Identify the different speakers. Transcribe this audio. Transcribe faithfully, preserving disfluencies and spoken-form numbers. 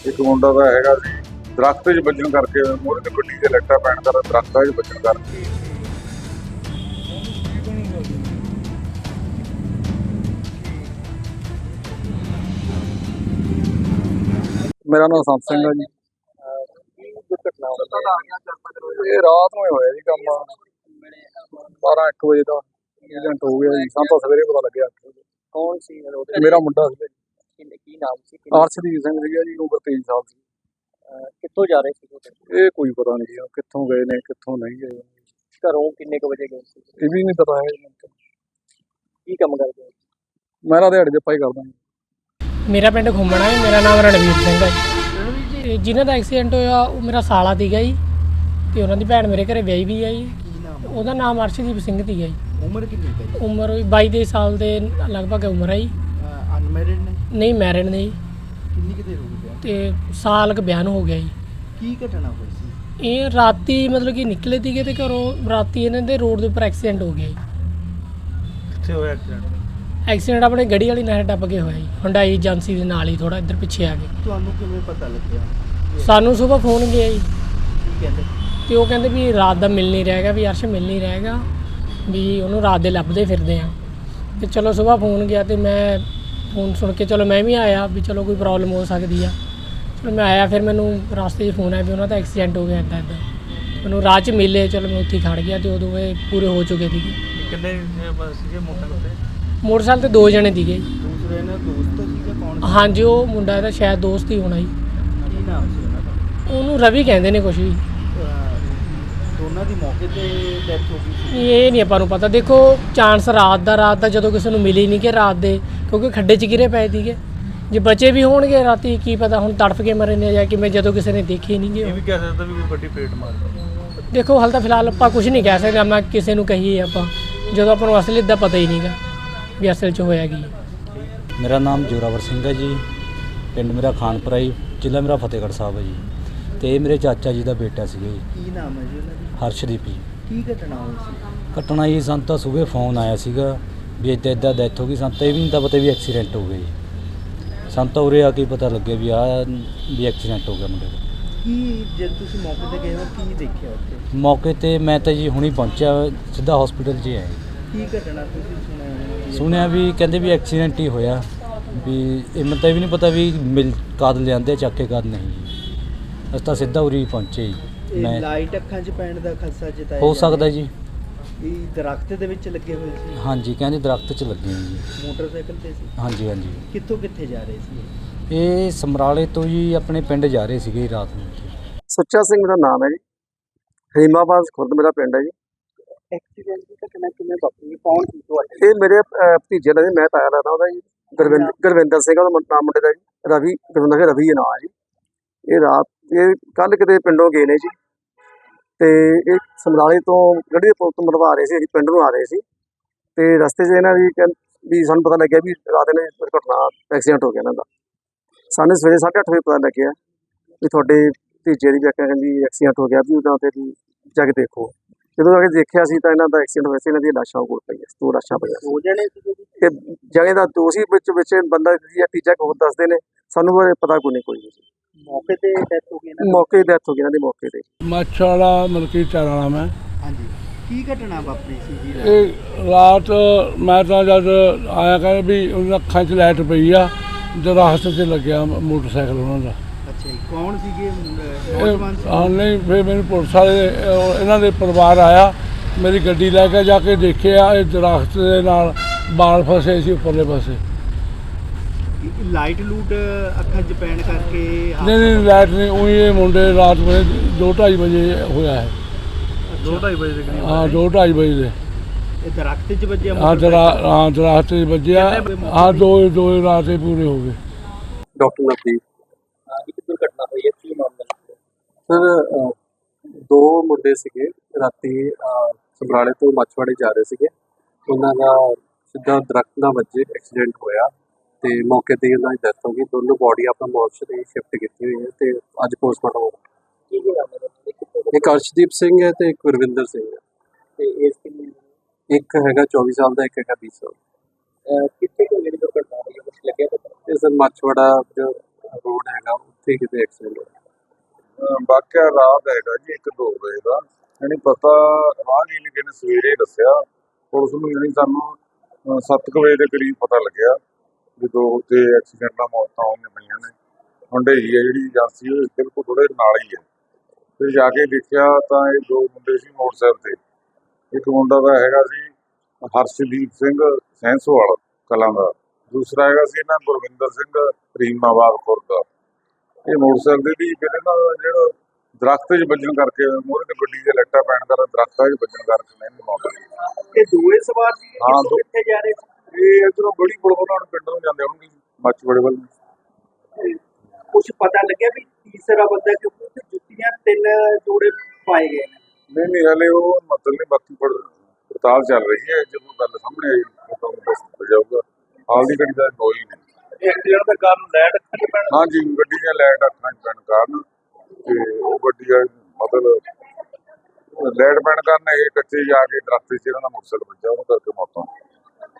Speaker 1: ਇੱਕ ਮੁੰਡਾ ਦਾ ਹੈਗਾ ਸੀ ਦਰਖਤ 'ਚ ਵੱਜਣ ਕਰਕੇ ਮੂਹਰੇ ਤੇ ਗੱਡੀ ਦੇ ਲੱਟਾ ਪੈਣ ਦਾ ਦਰਖਤਾਂ 'ਚ ਵੱਜਣ ਕਰਕੇ। ਮੇਰਾ ਨਾਮ ਸੰਤ ਸਿੰਘ ਹੈ ਜੀ। ਇਹ ਰਾਤ ਨੂੰ ਹੀ ਹੋਇਆ ਜੀ ਕੰਮ, ਬਾਰਾਂ ਇੱਕ ਵਜੇ ਦਾ ਐਕਸੀਡੈਂਟ ਹੋ ਗਿਆ ਜੀ। ਸਾਨੂੰ ਤਾਂ ਸਵੇਰੇ ਪਤਾ ਲੱਗਿਆ।
Speaker 2: ਕੌਣ ਸੀ?
Speaker 1: ਮੇਰਾ ਮੁੰਡਾ ਸੀ
Speaker 2: ਕੀ ਕੀ ਨਾਮ ਸੀ?
Speaker 1: ਅਰਸ਼ਦੀਪ ਸਿੰਘ ਸੀਗਾ ਜੀ, ਉਮਰ ਤੇਈ ਸਾਲ ਸੀ।
Speaker 2: ਕਿੱਥੋਂ ਜਾ ਰਹੇ ਸੀ?
Speaker 1: ਇਹ ਕੋਈ ਪਤਾ ਨਹੀਂ ਜੀ ਕਿੱਥੋਂ ਗਏ ਨੇ ਕਿੱਥੋਂ ਨਹੀਂ ਗਏ।
Speaker 2: ਘਰੋਂ ਕਿੰਨੇ ਕੁ ਵਜੇ ਗਏ ਸੀ?
Speaker 1: ਇਹ ਵੀ ਨਹੀਂ ਪਤਾ ਹੈ ਜੀ।
Speaker 2: ਕੀ ਕੰਮ ਕਰਦੇ ਹੋ?
Speaker 1: ਮੈਂ ਤਾਂ ਦਿਹਾੜੀ ਦੇ ਪਾਈ ਕਰਦਾ ਜੀ।
Speaker 3: ਮੇਰਾ ਪਿੰਡ ਘੁੰਮਣਾ ਹੈ। ਮੇਰਾ ਨਾਮ ਰਣਵੀਰ ਸਿੰਘ ਹੈ ਜੀ। ਤੇ ਜਿਨ੍ਹਾਂ ਦਾ ਐਕਸੀਡੈਂਟ ਹੋਇਆ ਉਹ ਮੇਰਾ ਸਾਲਾ ਸੀਗਾ ਜੀ, ਤੇ ਉਹਨਾਂ ਦੀ ਭੈਣ ਮੇਰੇ ਘਰੇ ਵਿਆਹੀ ਵੀ ਹੈ ਜੀ। ਉਹਦਾ ਨਾਮ ਅਰਸ਼ਦੀਪ ਸਿੰਘ ਸੀਗਾ ਜੀ।
Speaker 2: ਉਮਰ ਕਿੰਨੀ ਹੈ?
Speaker 3: ਉਮਰ ਵੀ ਬਾਈ ਤੇਈ ਸਾਲ ਦੇ ਲਗਭਗ ਉਮਰ ਹੈ ਜੀ।
Speaker 2: ਅਨਮੈਰਿਡ ਨੇ?
Speaker 3: ਨਹੀਂ, ਮੈਰਿਡ ਨੇ ਜੀ।
Speaker 2: ਕਿੰਨੀ ਕਿਤੇ ਹੋ ਗਈ?
Speaker 3: ਤੇ ਸਾਲ ਕੁ ਬਿਆਨ ਹੋ ਗਿਆ ਜੀ।
Speaker 2: ਕੀ ਘਟਨਾ ਹੋਈ ਸੀ?
Speaker 3: ਇਹ ਰਾਤੀ ਮਤਲਬ ਕਿ ਨਿਕਲੇ ਸੀਗੇ ਤੇ ਘਰੋਂ ਰਾਤੀ ਇਹਨਾਂ ਦੇ ਰੋਡ ਦੇ ਉੱਪਰ ਐਕਸੀਡੈਂਟ ਹੋ ਗਿਆ ਜੀ।
Speaker 2: ਕਿੱਥੇ ਹੋਇਆ ਐਕਸੀਡੈਂਟ?
Speaker 3: ਐਕਸੀਡੈਂਟ ਆਪਣੇ ਗੜੀ ਵਾਲੀ ਨਹਿਰ ਟੱਪ ਕੇ ਹੋਇਆ ਜੀ, ਹੁੰਡਾਈ ਏਜੰਸੀ ਦੇ ਨਾਲ ਹੀ ਥੋੜਾ ਇੱਧਰ ਪਿੱਛੇ ਆ ਕੇ।
Speaker 2: ਤੁਹਾਨੂੰ ਕਿਵੇਂ ਪਤਾ ਲੱਗਿਆ?
Speaker 3: ਸਾਨੂੰ ਸਵੇਰ ਫੋਨ ਗਿਆ ਜੀ,
Speaker 2: ਕੀ ਕਹਿੰਦੇ?
Speaker 3: ਤੇ ਉਹ ਕਹਿੰਦੇ ਵੀ ਰਾਤ ਦਾ ਮਿਲ ਨਹੀਂ ਰਹੇਗਾ, ਵੀ ਅਰਸ਼ ਮਿਲ ਨਹੀਂ ਰਹੇਗਾ, ਵੀ ਉਹਨੂੰ ਰਾਤ ਦੇ ਲੱਭਦੇ ਫਿਰਦੇ ਆ। ਤੇ ਚਲੋ ਸਵੇਰ ਫੋਨ ਗਿਆ ਤੇ ਮੈਂ ਫੋਨ ਸੁਣ ਕੇ ਚਲੋ ਮੈਂ ਵੀ ਆਇਆ ਵੀ ਚਲੋ ਕੋਈ ਪ੍ਰੋਬਲਮ ਹੋ ਸਕਦੀ ਆ। ਚਲੋ ਮੈਂ ਆਇਆ, ਫਿਰ ਮੈਨੂੰ ਰਸਤੇ 'ਚ ਫੋਨ ਆਇਆ ਵੀ ਉਹਨਾਂ ਦਾ ਐਕਸੀਡੈਂਟ ਹੋ ਗਿਆ ਇੱਦਾਂ ਇੱਦਾਂ। ਮੈਨੂੰ ਰਾਹ 'ਚ ਮਿਲੇ, ਚਲੋ ਮੈਂ ਉੱਥੇ ਖੜ੍ਹ ਗਿਆ ਤੇ ਉਦੋਂ ਇਹ ਪੂਰੇ ਹੋ ਚੁੱਕੇ ਸੀਗੇ।
Speaker 2: ਕਿੰਨੇ ਸੀਗੇ ਮੋਟਰਸਾਈਕਲ ਤੇ?
Speaker 3: ਮੋਟਰਸਾਈਕਲ ਤੇ ਦੋ ਜਣੇ ਸੀਗੇ।
Speaker 2: ਦੂਸਰੇ ਨਾਲ ਦੋਸਤ ਸੀਗਾ? ਕੌਣ?
Speaker 3: ਹਾਂਜੀ, ਉਹ ਮੁੰਡਾ ਇਹਦਾ ਸ਼ਾਇਦ ਦੋਸਤ ਹੀ ਹੋਣਾ ਜੀ।
Speaker 2: ਕੀ ਨਾਮ ਸੀ ਉਹਨਾਂ ਦਾ?
Speaker 3: ਉਹਨੂੰ ਰਵੀ ਕਹਿੰਦੇ ਨੇ ਕੁਛ ਵੀ।
Speaker 2: ਦੋਨਾਂ ਦੀ ਮੌਕੇ ਤੇ ਡੈਥ ਹੋ ਗਈ ਸੀ?
Speaker 3: ਇਹ ਨਹੀਂ ਆਪਾਂ ਨੂੰ ਪਤਾ। ਦੇਖੋ ਚਾਂਸ ਰਾਤ ਦਾ ਰਾਤ ਦਾ ਜਦੋਂ ਕਿਸੇ ਨੂੰ ਮਿਲੀ ਨਹੀਂ ਕਿ ਰਾਤ ਦੇ, ਕਿਉਂਕਿ ਖੱਡੇ 'ਚ ਗਿਰੇ ਪਏ ਸੀਗੇ। ਜੇ ਬਚੇ ਵੀ ਹੋਣਗੇ ਰਾਤੀ ਕੀ ਪਤਾ ਹੁਣ ਤੜਫ ਕੇ ਮਰੇ ਨੇ ਜਾਂ ਕਿਵੇਂ, ਜਦੋਂ ਕਿਸੇ ਨੇ ਦੇਖੇ ਨਹੀਂ ਗੇ।
Speaker 2: ਇਹ ਵੀ ਕਹਿ ਸਕਦਾ ਵੀ ਕੋਈ ਵੱਡੀ ਪੇਟ ਮਾਰ ਗਈ।
Speaker 3: ਦੇਖੋ ਹਾਲ ਤਾਂ ਫਿਲਹਾਲ ਆਪਾਂ ਕੁਝ ਨਹੀਂ ਕਹਿ ਸਕਦੇ। ਮੈਂ ਕਿਸੇ ਨੂੰ ਕਹੀਏ ਆਪਾਂ ਜਦੋਂ ਆਪਾਂ ਨੂੰ ਅਸਲੀ ਦਾ ਪਤਾ ਹੀ ਨਹੀਂਗਾ ਵੀ ਅਸਲ 'ਚ ਹੋਇਆ ਕੀ।
Speaker 4: ਮੇਰਾ ਨਾਮ ਜੋਰਾਵਰ ਸਿੰਘ ਹੈ ਜੀ। ਪਿੰਡ ਮੇਰਾ ਖਾਨਪੁਰਾ ਜੀ, ਜ਼ਿਲ੍ਹਾ ਮੇਰਾ ਫਤਿਹਗੜ੍ਹ ਸਾਹਿਬ ਹੈ ਜੀ। ਤੇ ਇਹ ਮੇਰੇ ਚਾਚਾ ਜੀ ਦਾ ਬੇਟਾ ਸੀਗਾ ਜੀ।
Speaker 2: ਕੀ ਨਾਮ ਹੈ ਜੀ ਉਹਨਾਂ ਦੀ?
Speaker 4: ਹਰਸ਼ਦੀਪ ਜੀ।
Speaker 2: ਕੀ ਘਟਨਾ ਹੋਈ ਸੀ?
Speaker 4: ਘਟਨਾ ਜੀ ਸਾਨੂੰ ਤਾਂ ਸਵੇਰੇ ਫੋਨ ਆਇਆ ਸੀਗਾ ਵੀ ਇੱਦਾਂ ਇੱਦਾਂ ਡੈਥ ਹੋ ਗਈ। ਸਾਨੂੰ ਤਾਂ ਇਹ ਵੀ ਨਹੀਂ ਤਾਂ ਪਤਾ ਵੀ ਐਕਸੀਡੈਂਟ ਹੋ ਗਿਆ ਜੀ। ਸਾਨੂੰ ਤਾਂ ਉਰੇ ਆ ਕੇ ਪਤਾ ਲੱਗਿਆ ਵੀ ਆਹ ਵੀ ਐਕਸੀਡੈਂਟ ਹੋ ਗਿਆ ਮੁੰਡੇ ਦਾ।
Speaker 2: ਕੀ ਜਦ ਤੁਸੀਂ ਮੌਕੇ ਤੇ ਗਏ ਹੋ ਕੀ ਦੇਖਿਆ ਉੱਥੇ?
Speaker 4: ਮੌਕੇ 'ਤੇ ਮੈਂ ਤਾਂ ਜੀ ਹੁਣੀ ਪਹੁੰਚਿਆ, ਸਿੱਧਾ ਹਸਪੀਟਲ 'ਚ ਆਇਆ।
Speaker 2: ਕੀ ਘਟਨਾ ਤੁਸੀਂ ਸੁਣਿਆ?
Speaker 4: ਸੁਣਿਆ ਵੀ ਕਹਿੰਦੇ ਵੀ ਐਕਸੀਡੈਂਟ ਹੀ ਹੋਇਆ ਵੀ। ਇਹ ਮੈਨੂੰ ਤਾਂ ਇਹ ਵੀ ਨਹੀਂ ਪਤਾ ਵੀ ਮਿਲ ਕਦ ਲਿਆਂਦੇ ਚੱਕ ਕੇ ਕਦ ਨਹੀਂ ਜੀ। ਅਸੀਂ ਤਾਂ ਸਿੱਧਾ ਉਰੀ ਪਹੁੰਚੇ ਜੀ। ਮੈਂ
Speaker 2: ਲਾਈਟ ਅੱਖਾਂ 'ਚ ਪੈਣ ਦਾ ਖਦਸ਼ਾ ਜਤਾਇਆ
Speaker 4: ਹੋ ਸਕਦਾ ਜੀ।
Speaker 2: ਇਹ ਦਰਖਤ ਦੇ ਵਿੱਚ ਲੱਗੇ ਹੋਏ ਸੀ?
Speaker 4: ਹਾਂਜੀ, ਕਹਿੰਦੇ ਦਰਖਤ 'ਚ ਲੱਗੇ ਹੋਏ ਜੀ।
Speaker 2: ਮੋਟਰਸਾਈਕਲ ਤੇ ਸੀ?
Speaker 4: ਹਾਂਜੀ ਹਾਂਜੀ।
Speaker 2: ਕਿੱਥੋਂ ਕਿੱਥੇ ਜਾ ਰਹੇ ਸੀ?
Speaker 4: ਇਹ ਸਮਰਾਲੇ ਤੋਂ ਜੀ ਆਪਣੇ ਪਿੰਡ ਜਾ ਰਹੇ ਸੀਗੇ ਰਾਤ ਨੂੰ।
Speaker 5: ਸੁੱਚਾ ਸਿੰਘ ਦਾ ਨਾਮ ਹੈ ਜੀ। ਹਰੀਮਾਬਾਦ ਖੁਰਦ ਮੇਰਾ ਪਿੰਡ ਹੈ ਜੀ।
Speaker 2: ਐਕਸੀਡੈਂਟ ਦੀ ਘਟਨਾ ਕਿਵੇਂ ਵਾਪਰੀ? ਕੌਣ ਸੀ ਤੁਹਾਡੇ?
Speaker 5: ਇਹ ਮੇਰੇ ਅਹ, ਭਤੀਜੇ ਦਾ ਜੀ, ਮੈਂ ਤਾਇਆ ਲੱਗਦਾ ਉਹਦਾ ਜੀ। ਗੁਰਵਿੰਦਰ ਗੁਰਵਿੰਦਰ ਸਿੰਘ ਉਹਦਾ ਨਾਮ ਮੁੰਡੇ ਦਾ ਜੀ। ਰਵੀ ਗੁਰਵਿੰਦਰ ਸਿੰਘ ਰਵੀ ਨਾਮ ਹੈ ਜੀ। ਇਹ ਰਾਤ ਇਹ ਕੱਲ ਕਿਤੇ ਪਿੰਡੋਂ ਗਏ ਨੇ ਜੀ, ਤੇ ਇਹ ਸਮਰਾਲੇ ਤੋਂ ਗੱਡੀ ਦੇ ਪੁਲ ਤੋਂ ਮਰਵਾ ਰਹੇ ਸੀ, ਅਸੀਂ ਪਿੰਡ ਨੂੰ ਆ ਰਹੇ ਸੀ। ਤੇ ਰਸਤੇ 'ਚ ਇਹਨਾਂ ਦੀ ਕਹਿੰ ਵੀ ਸਾਨੂੰ ਪਤਾ ਲੱਗਿਆ ਵੀ ਰਾਤ ਨੇ ਦੁਰਘਟਨਾ ਐਕਸੀਡੈਂਟ ਹੋ ਗਿਆ ਇਹਨਾਂ ਦਾ। ਸਾਨੂੰ ਸਵੇਰੇ ਸਾਢੇ ਅੱਠ ਵਜੇ ਪਤਾ ਲੱਗਿਆ ਵੀ ਤੁਹਾਡੇ ਭਤੀਜੇ ਦੀ ਵਿਆਖਿਆ ਕਹਿੰਦੀ ਐਕਸੀਡੈਂਟ ਹੋ ਗਿਆ, ਵੀ ਉਹਨਾਂ 'ਤੇ ਵੀ ਜਾ ਕੇ ਦੇਖੋ। ਜਦੋਂ ਆ ਕੇ ਦੇਖਿਆ ਸੀ ਤਾਂ ਇਹਨਾਂ ਦਾ ਐਕਸੀਡੈਂਟ ਹੋਇਆ ਸੀ। ਇਹਨਾਂ ਦੀਆਂ ਲਾਸ਼ਾਂ ਕੋਲ ਪਈਆਂ, ਦੋ ਲਾਸ਼ਾਂ ਪਈਆਂ ਸੀ।
Speaker 2: ਦੋ ਜਣੇ ਸੀ?
Speaker 5: ਤੇ ਜਗ੍ਹਾ ਦਾ ਦੋਸ਼ੀ ਵਿੱਚ ਵਿੱਚ ਬੰਦਾ ਜਾਂ ਤੀਜਾ ਹੋਰ ਦੱਸਦੇ ਨੇ, ਸਾਨੂੰ ਬਾਰੇ ਪਤਾ ਕੋਈ ਨਹੀਂ ਕੋਈ ਨਹੀਂ।
Speaker 2: ਮੌਕੇ ਤੇ ਡੈਥ ਹੋ ਗਈ ਨਾ?
Speaker 5: ਮੌਕੇ ਦੀ ਡੈਥ ਹੋ ਗਈ ਇਹਨਾਂ ਦੀ ਮੌਕੇ ਤੇ।
Speaker 6: ਮੱਛ ਵਾਲਾ ਮਲਕੀ ਚਾਰਾ ਨਾਮ ਹੈ।
Speaker 2: ਹਾਂਜੀ। ਕੀ ਘਟਨਾ ਵਾਪਰੀ ਸੀ ਜੀ?
Speaker 6: ਇਹ ਰਾਤ ਮੈਂ ਤਾਂ ਜਦ ਆਇਆ ਕਹਿੰਦੇ ਵੀ ਉਹਨਾਂ ਅੱਖਾਂ 'ਚ ਲਾਈਟ ਪਈ ਆ, ਦਰਖਤ 'ਤੇ ਲੱਗਿਆ ਮੋਟਰਸਾਈਕਲ ਉਹਨਾਂ ਦਾ।
Speaker 2: ਅੱਛਾ ਜੀ। ਕੌਣ ਸੀਗੇ?
Speaker 6: ਇਹ
Speaker 2: ਨੌਜਵਾਨ ਸੀ?
Speaker 6: ਹਾਂ ਨਹੀਂ, ਫਿਰ ਮੈਨੂੰ ਪੁਲਿਸ ਵਾਲੇ ਉਹ ਇਹਨਾਂ ਦੇ ਪਰਿਵਾਰ ਆਇਆ, ਮੇਰੀ ਗੱਡੀ ਲੈ ਕੇ ਜਾ ਕੇ ਦੇਖਿਆ ਇਹ ਦਰਖਤ ਦੇ ਨਾਲ ਬਾਲ ਫਸੇ ਸੀ ਉੱਪਰਲੇ ਪਾਸੇ।
Speaker 2: ਲਾਈਟ ਲੂਟ ਅੱਖਾਂ 'ਚ ਪੈਣ ਕਰਕੇ?
Speaker 6: ਨਹੀਂ ਨਹੀਂ, ਲਾਈਟ ਨਹੀਂ, ਉਹੀ ਇਹ ਮੁੰਡੇ ਰਾਤ ਵੇਲੇ ਦੋ ਢਾਈ ਵਜੇ ਹੋਇਆ ਹੈ।
Speaker 2: ਦੋ ਢਾਈ ਵਜੇ ਦੇ ਕਰੀਬ?
Speaker 6: ਹਾਂ, ਦੋ ਢਾਈ ਵਜੇ ਦੇ।
Speaker 2: ਇਹ ਦਰਖਤ 'ਚ ਵੱਜਿਆ?
Speaker 6: ਹਾਂ ਦਰਾ ਹਾਂ ਦਰਖਤ 'ਚ ਵੱਜਿਆ। ਹਾਂ, ਦੋ ਦੋ ਰਾਤੇ ਪੂਰੇ ਹੋ ਗਏ।
Speaker 5: ਡਾਕਟਰ ਨਵਦੀਪ
Speaker 2: ਇੱਕ ਦੁਰਘਟਨਾ ਹੋਈ ਹੈ, ਕੀ ਮਾਮਲਾ?
Speaker 5: ਸਰ, ਦੋ ਮੁੰਡੇ ਸੀਗੇ ਰਾਤੀ ਸਮਰਾਲੇ ਤੋਂ ਮੱਛਵਾੜੇ ਜਾ ਰਹੇ ਸੀਗੇ। ਉਹਨਾਂ ਦਾ ਸਿੱਧਾ ਦਰਖਤ ਨਾਲ ਵੱਜੇ ਐਕਸੀਡੈਂਟ ਹੋਇਆ ਤੇ ਮੌਕੇ ਤੇ ਉਹਨਾਂ ਦੀ ਡੈਥ ਹੋ ਗਈ। ਦੋਨੋਂ ਬੋਡੀ ਆਪਾਂ ਮੋਰਚਰੀ ਸ਼ਿਫਟ ਕੀਤੀ ਹੋਈ ਹੈ ਤੇ ਅੱਜ ਪੋਸਟਮਾਰਟਮ ਹੋਊਗਾ।
Speaker 2: ਕੀ ਕੀ ਨਾਮ ਹੈ?
Speaker 5: ਇੱਕ ਅਰਸ਼ਦੀਪ ਸਿੰਘ ਹੈ ਤੇ ਇੱਕ ਗੁਰਵਿੰਦਰ ਸਿੰਘ ਹੈ।
Speaker 2: ਤੇ ਏਜ ਕਿੰਨੀ?
Speaker 5: ਇੱਕ ਹੈਗਾ ਚੌਵੀ ਸਾਲ ਦਾ, ਇੱਕ ਹੈਗਾ ਵੀਹ ਸਾਲ।
Speaker 2: ਕਿੱਥੇ ਕੋਈ ਜਿਹੜੀ ਦੁਰਘਟਨਾ ਹੋਈ ਹੈ ਕੁਝ ਲੱਗਿਆ ਪਤਾ?
Speaker 5: ਇਹ ਸਰ ਮੱਛਵਾੜਾ ਜੋ ਰੋਡ ਹੈਗਾ
Speaker 1: ਜਿੱਥੇ ਕਿਤੇ ਐਕਸੀਡੈਂਟ ਹੋਇਆ।
Speaker 7: ਅਹ ਵਾਕਿਆ ਰਾਤ ਹੈਗਾ ਜੀ ਇੱਕ ਦੋ ਵਜੇ ਦਾ, ਯਾਨੀ ਪਤਾ ਰਾਹਗੀਰ ਨੇ ਕਿਨੇ ਸਵੇਰੇ ਦੱਸਿਆ ਪੁਲਿਸ ਨੂੰ, ਯਾਨੀ ਸਾਨੂੰ ਅਹ ਸੱਤ ਕੁ ਵਜੇ ਦੇ ਕਰੀਬ ਪਤਾ ਲੱਗਿਆ ਵੀ ਦੋ ਤੇ ਐਕਸੀਡੈਂਟ ਨਾਲ ਮੌਤਾਂ ਹੋਈਆਂ ਪਈਆਂ ਨੇ। ਹੁੰਡਈ ਹੈ ਜਿਹੜੀ ਏਜੰਸੀ ਉਹ ਬਿਲਕੁਲ ਥੋੜੇ ਨਾਲ ਹੀ ਹੈ। ਫਿਰ ਜਾ ਕੇ ਦੇਖਿਆ ਤਾਂ ਇਹ ਦੋ ਮੁੰਡੇ ਸੀ ਮੋਟਰਸਾਈਕਲ ਤੇ, ਇੱਕ ਮੁੰਡਾ ਦਾ ਹੈਗਾ ਸੀ ਹਰਸ਼ਦੀਪ ਸਿੰਘ ਸੈਂਸੋਵਾਲ ਕਲਾਂ ਦਾ, ਦੂਸਰਾ ਹੈਗਾ ਸੀ ਇਹਨਾਂ ਗੁਰਵਿੰਦਰ ਸਿੰਘ ਰੀਮਾਬਾਦ ਖੁਰਦ ਦਾ। ਇਹ ਮੋਟਰਸਾਈਕਲ ਦੀ ਫਿਰ ਇਹਨਾਂ ਦਾ ਜਿਹੜਾ ਦਰਖਤ 'ਚ ਵੱਜਣ ਕਰਕੇ, ਮੂਹਰੇ ਤੇ ਗੱਡੀ ਦੇ ਲਾਈਟਾਂ ਪੈਣ ਕਾਰਨ ਦਰਖਤਾਂ 'ਚ ਵੱਜਣ ਕਰਕੇ ਨਹੀਂ ਮੌਤ ਹੋਈ।
Speaker 2: ਇਹ ਦੋਵੇਂ ਸਵਾਰ ਸੀ
Speaker 7: ਹਾਂ, ਦੋ-
Speaker 2: ਕਿੱਥੇ ਜਾ ਰਹੇ ਸੀ?
Speaker 7: ਇਹ ਇੱਧਰੋਂ ਗੜੀ ਪੁਲ ਵੱਲੋਂ ਪਿੰਡ ਨੂੰ ਜਾਂਦੇ ਹੋਣਗੇ ਮੱਛਵਾੜੇ ਵੱਲ ਨੂੰ।
Speaker 2: ਕੁਝ ਪਤਾ ਲੱਗਿਆ ਵੀ ਤੀਸਰਾ ਬੰਦਾ ਕਿਉਂਕਿ ਉੱਥੇ ਜੁੱਤੀਆਂ ਤਿੰਨ ਜੋੜੇ ਪਾਏ ਗਏ ਨੇ।
Speaker 7: ਨਹੀਂ ਨਹੀਂ ਹਲੇ ਉਹ ਮਤਲਬ ਨਹੀਂ, ਬਾਕੀ ਪੜ ਪੜਤਾਲ ਚੱਲ ਰਹੀ ਹੈ। ਜਦੋਂ ਗੱਲ ਸਾਹਮਣੇ ਆਈ ਤਾਂ ਤੁਹਾਨੂੰ ਦੱਸ ਦਿੱਤਾ ਜਾਊਗਾ। ਹਾਲ ਦੀ ਘੜੀ ਦਾ ਕੋਈ ਨਹੀਂ।
Speaker 2: ਐਕਸੀਡੈਂਟ ਦਾ ਕਾਰਨ ਲਾਈਟ ਅੱਖਾਂ 'ਚ ਪੈਣ
Speaker 7: ਹਾਂਜੀ, ਗੱਡੀ ਦੀਆਂ ਲਾਈਟ ਅੱਖਾਂ 'ਚ ਪੈਣ ਕਾਰਨ ਤੇ ਉਹ ਗੱਡੀ ਆ ਮਤਲਬ ਲਾਈਟ ਪੈਣ ਕਾਰਨ ਇਹ ਕੱਚੇ ਜਾ ਕੇ ਦਰਖਤ 'ਚ ਇਹਨਾਂ ਦਾ ਮੋਟਰਸਾਈਕਲ ਵੱਜਾ, ਉਹਨੂੰ ਕਰਕੇ ਮੌਤ ਹੋ ਗਈ।